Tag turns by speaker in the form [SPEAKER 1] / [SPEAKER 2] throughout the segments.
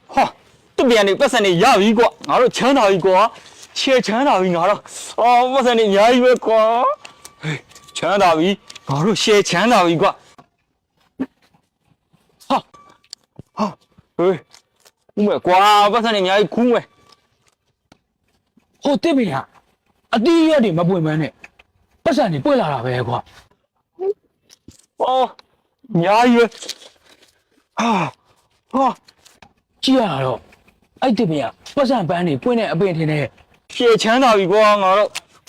[SPEAKER 1] 哈，这边的不是你牙一个，俺说强到一个，切强到一个了，哦，不是你牙一个，哎，强到一，俺说切强到一个，哈，哈，哎，我瓜不是你牙一空喂，
[SPEAKER 2] 好这边呀，啊，第一点没不买呢，不是你不来了呗，瓜。
[SPEAKER 1] 哦，牙一个，啊，啊，
[SPEAKER 2] 这样了，哎这边呀，不是班里不呢，不天呢，
[SPEAKER 1] 切强到一个，俺说。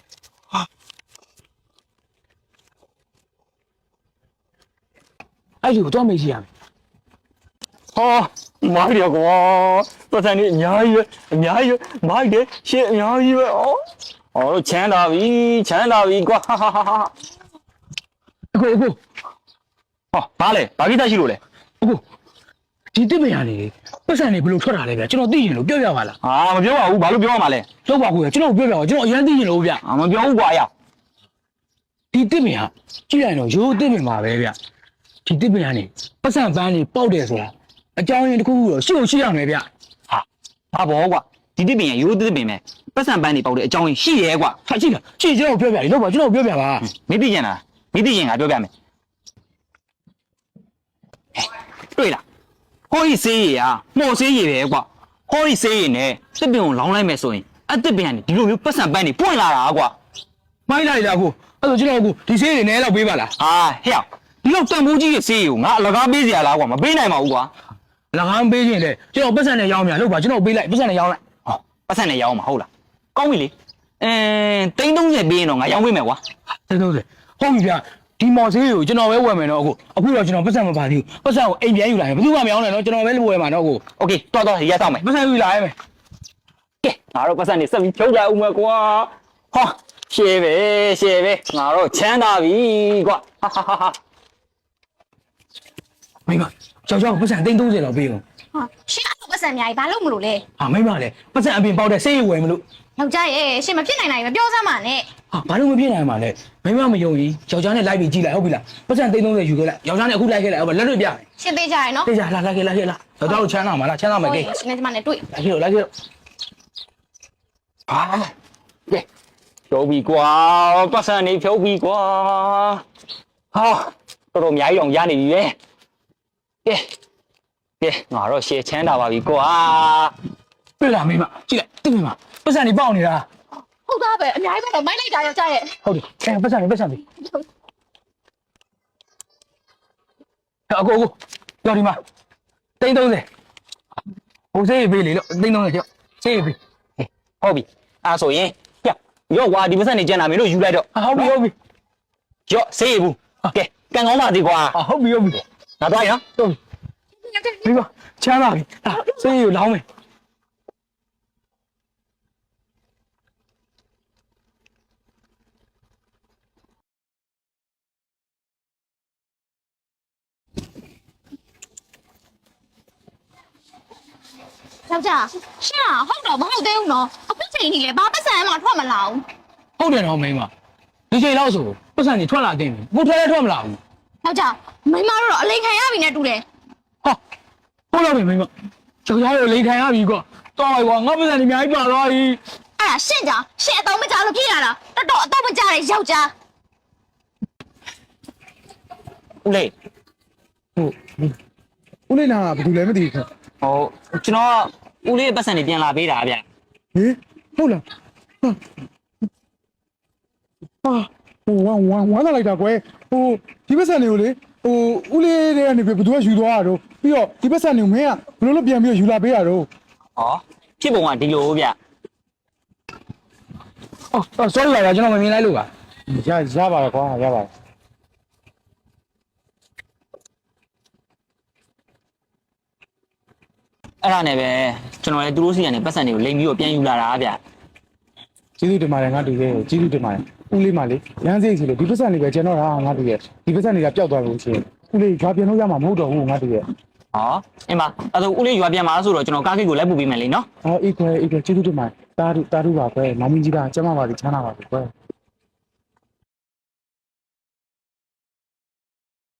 [SPEAKER 2] 哎有多没钱？
[SPEAKER 1] 哦，买了个，不是你伢一买的，些伢一哦，哦，钱到位个，哈哈哈哈！
[SPEAKER 2] 不，
[SPEAKER 1] 哦，哪嘞？哪里在西路嘞？
[SPEAKER 2] 不，你这边呀你，不是你不能出来了呗，就那地形路表完了。
[SPEAKER 1] 啊，我表话我马路表嘛嘞？
[SPEAKER 2] 老瓜哥，就那表，就那原地形路边。
[SPEAKER 1] 啊，我表挂呀。
[SPEAKER 2] 你这边呀，既然呢有这边嘛呗边，你这边呀你，不是班里包的是吧？啊，教人的苦了，休息样那边。
[SPEAKER 1] 啊，阿伯挂，你这边有这边没？不上班的包的，教人洗嘢挂。
[SPEAKER 2] 他这个，这就表，你老板就那表吧。
[SPEAKER 1] 没对劲啊，没对劲啊，表没？对了，可以洗嘢啊，冇洗嘢挂，可以洗嘢呢，这边我老来没说人，啊这边呢，你有不上班的搬来啦挂。
[SPEAKER 2] 买来的姑，啊，就那姑，你谁人来了背吧啦？
[SPEAKER 1] 啊，嘿，你老当不起洗油，我那背下来挂嘛，背来嘛挂。
[SPEAKER 2] 那俺背进来，就那不是那要面，老板就那背来，不是那要来。
[SPEAKER 1] 哦，不是那要嘛，好了，讲回来，等东西边咯，我要回没挂。
[SPEAKER 2] 这都是，好一点。ဒီမော်ဆေးကိုကျွန်တော်ပဲဝယ်မယ်နော်အခုတော့ကျွန်တော်ပတ်စံမပါသေးဘူးပတ်စံကိုအိမ်ပြန်ယူလာရင်ဘယ်သူမှမအောင်နဲ့နော်ကျွန်တော်ပဲဝယ်မှာနော်
[SPEAKER 1] OK တော်ရတော့မယ်
[SPEAKER 2] ပတ်စံယူလာရမယ်
[SPEAKER 1] ကဲငါတို့ပတ်စံနေစက်ပြီးဖြုတ်လိုက်ဦးမယ်ကွာဟောရှေ့ပဲငါတို့ချမ်းသာပြီကွာဟာဟာဟာ
[SPEAKER 2] မိမကြောက်ကြောက်ပတ်စံ330လောက်ပေးအောင်
[SPEAKER 3] ဟာရှင်းအဲ့လိုပတ်စံအများကြီးဘာလို့မလို့လဲ
[SPEAKER 2] ဟာမိမလေပတ်စံအပြင်ပေါက်တဲ့ဆေးဝယ်မလို့
[SPEAKER 3] ယောက်ျားရဲ့ရှင်းမဖြစ်နိုင်နိုင်မပြောစမ်းပါနဲ့
[SPEAKER 2] ဟာဘာလို့မဖြစ်နိုင်မှာလဲမိမမယုံရင်ယောက်ျားနဲ့လိုက်ပြီးကြည့်လိုက်ဟုတ်ပြီလားပတ်စံ330ယူခဲ့လိုက်ယောက်ျားနဲ့အခုလိုက်ခဲ့လိုက်ဟုတ်ပါလက်တွေ့ပြမယ်
[SPEAKER 3] ရှင်းသေးကြရနော်
[SPEAKER 2] သိကြလာလိုက်ခဲ့ယောက်ျားတို့ချမ်းသာမှာလားချမ်းသာမယ်ကိ
[SPEAKER 3] ရှင်းနေကြမှာနဲ့တွေ့
[SPEAKER 2] လိုက်ခဲ့
[SPEAKER 1] ဟာကဲဖြုတ်ပြီကွာပတ်စံနေဖြုတ်ပြီကွာဟာတော်အများကြီးအောင်ရနေပြီပဲကဲငါတို့ရှေ့ချမ်းသာပါပြီကွာ
[SPEAKER 2] တွေ့လားမိမကြည့်လိုက်တိမိမပတ်စံနေပေါက်နေတာ
[SPEAKER 3] ဟုတ်သားပဲအများကြီးပဲတော့မိုက်လိုက်တာယောက်ျားရဲ့
[SPEAKER 2] ဟုတ်တယ်ပတ်စံပြီအကိုကြောက်ဒီမှာ330ဟိုဆေးပေးလေလို့330ကျော်ဆေးပေး
[SPEAKER 1] ဟုတ်ပြီအဲ့ဆိုရင်ရော့ကွာဒီပတ်စံနေကျန်တာမင်းတို့ယူလိုက်တော့
[SPEAKER 2] ဟုတ်ပြီ
[SPEAKER 1] ရော့ဆေးဘူးကဲကန်ကောင်းပါသေးကွာ
[SPEAKER 2] ဟုတ်ပြီ
[SPEAKER 1] ငါသွားရ
[SPEAKER 2] ဟုတ်ပြီမချမ်းသာပြီဆေးကိုလောင်းမယ်
[SPEAKER 3] ယောက်ျားရှင်းอ่ะဟုတ်တော့မဟုတ်သေးဘူးနော်အခုချိန်ကြီးလေဘာပတ်စံမှထွက်မလာဘူး
[SPEAKER 2] ဟုတ်တယ်တော့မိမဒီချိန်လောက်ဆိုပတ်စံကြီးထွက်လာတင်ပြီဘုထွက်လည်းထွက်မလာဘူး
[SPEAKER 3] ယောက်ျားမိမတို့တော့အလိန်ခံရပြီနဲ့တူတယ်
[SPEAKER 2] ဟာဟုတ်လားမိမကျော်ကြားကိုလိန်ခံရပြီကွာတော်ပါကွာငါပတ်စံကြီးအများကြီးပါသွားပြီ
[SPEAKER 3] အဲ့ဒါရှင်းကြရှင်းအတော့မကြလို့ဖြစ်ရတာတော်တော်အတော့မကြတဲ့ယောက်ျား
[SPEAKER 1] ဦးလေး
[SPEAKER 2] ဦးလေးနာဘာလို့လဲမသိဘူး
[SPEAKER 1] ဟိုကျွန်တော်ဦးလေးပတ်စံနေပြန်လာပေးတာဗျ
[SPEAKER 2] ဟင်ဟုတ်လားဟာဟိုဝမ်းသာလိုက်တာကွယ်ဟိုဒီပတ်စံတွေကိုလေဟိုဦးလေးတွေကနေဘယ်သူကယူသွားတာတော့ပြီးတော့ဒီပတ်စံတွေကိုမင်းကဘယ်လိုလုပ်ပြန်ပြီးယူလာပေးတာတော့
[SPEAKER 1] ဟောဖြစ်ပုံကဒီလိုဗျ
[SPEAKER 2] အော် sorry ပါကျွန်တော်မမြင်လိုက်လို့ပါရပါတယ်ကွာရပါတယ်
[SPEAKER 1] အဲ့ဒါနဲ့ပဲကျွန်တော်လည်းသူတို့စီကနေပတ်စံတွေကိုလိမ်ပြီးတော့ပြန်ယူလာတာဗျ
[SPEAKER 2] ကျေးဇူးတင်ပါတယ်ငါတူရဲ့ကျေးဇူးတင်ပါတယ်ဦးလေးမလေးရမ်းစိတ်စီလို့ဒီပတ်စံတွေပဲကျွန်တော်ငါတူရဲ့ဒီပတ်စံတွေကပျောက်သွားလို့ရှိရင်ဦးလေးရွာပြန်လို့ရမှာမဟုတ်တော့ဘူးငါတူရဲ့
[SPEAKER 1] ဟောအင်းမအဲ့ဒါဦးလေးရွာပြန်มาဆိုတော့ကျွန်တော်ကားကိတ်ကိုလိုက်ပို့ပေးမယ်လေနော်
[SPEAKER 2] ဟောအေးခွဲကျေးဇူးတင်ပါတယ်တားတူပါခွဲမောင်မင်းကြီးကကျမပါစီချမ်းသာပါပြီခွဲ